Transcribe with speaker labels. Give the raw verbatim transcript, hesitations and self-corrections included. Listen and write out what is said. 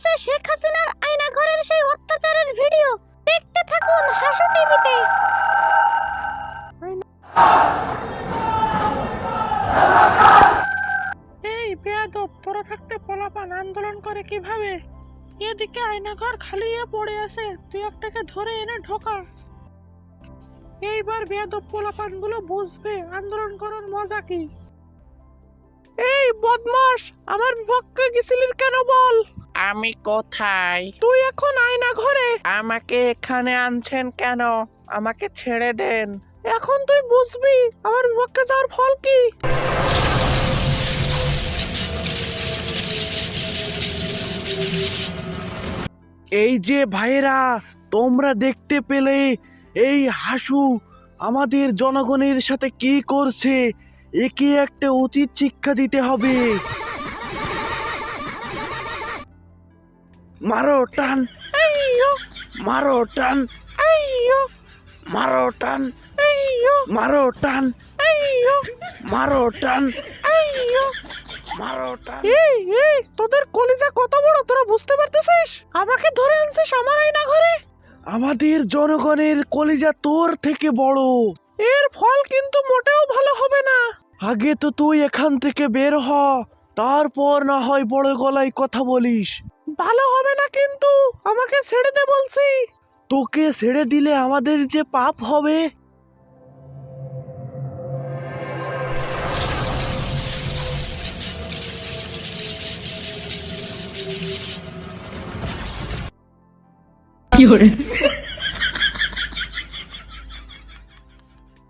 Speaker 1: চলছে শেখ হাসিনার আয়না ঘরের সেই অত্যাচারের ভিডিও। দেখতে থাকুন হাসু টিভিতে।
Speaker 2: এই বেয়াদব, তোরা থাকতে পোলাপান আন্দোলন করে কিভাবে? এদিকে আয়নাঘর খালি হয়ে পড়ে আছে, তুই একটাকে ধরে এনে ঢোকা। এইবার বেয়াদব পোলাপান গুলো বুঝবে আন্দোলন করার মজা কি। এই বদমাস, আমার বিপক্ষে গেছিলিস কেন বল?
Speaker 3: আমি কোথায়?
Speaker 2: তুই এখন আয়না ঘরে।
Speaker 3: আমাকে এখানে আনছেন কেন? আমাকে ছেড়ে দেন।
Speaker 2: এখন তুই বুঝবি আমার বিপক্ষে যাওয়ার ফল কি।
Speaker 4: এই যে ভাইরা, তোমরা দেখতে পেলে এই হাসু আমাদের জনগণের সাথে কি করছে? একে একটা উচিত শিক্ষা দিতে হবে। মারো টান, মারো টান, মারো টান, মারো টান, মারো টান, মারো টান।
Speaker 2: এই এই তোদের কলিজা কত বড়, তোরা বুঝতে পারতেছিস? আমাকে ধরে আনছিস আমার আয়না ঘরে।
Speaker 4: আমাদের জনগণের কলিজা তোর থেকে বড়।
Speaker 2: এর ফল কিন্তু মোটেও ভালো হবে না।
Speaker 4: আগে তো তুই এখান থেকে বের হ, তারপর না হয় বড় গলায় কথা বলিস।
Speaker 2: ভালো হবে না কিন্তু, আমাকে ছেড়ে দে বলছি।
Speaker 4: তোকে ছেড়ে দিলে আমাদের যে পাপ হবে।
Speaker 5: কি hore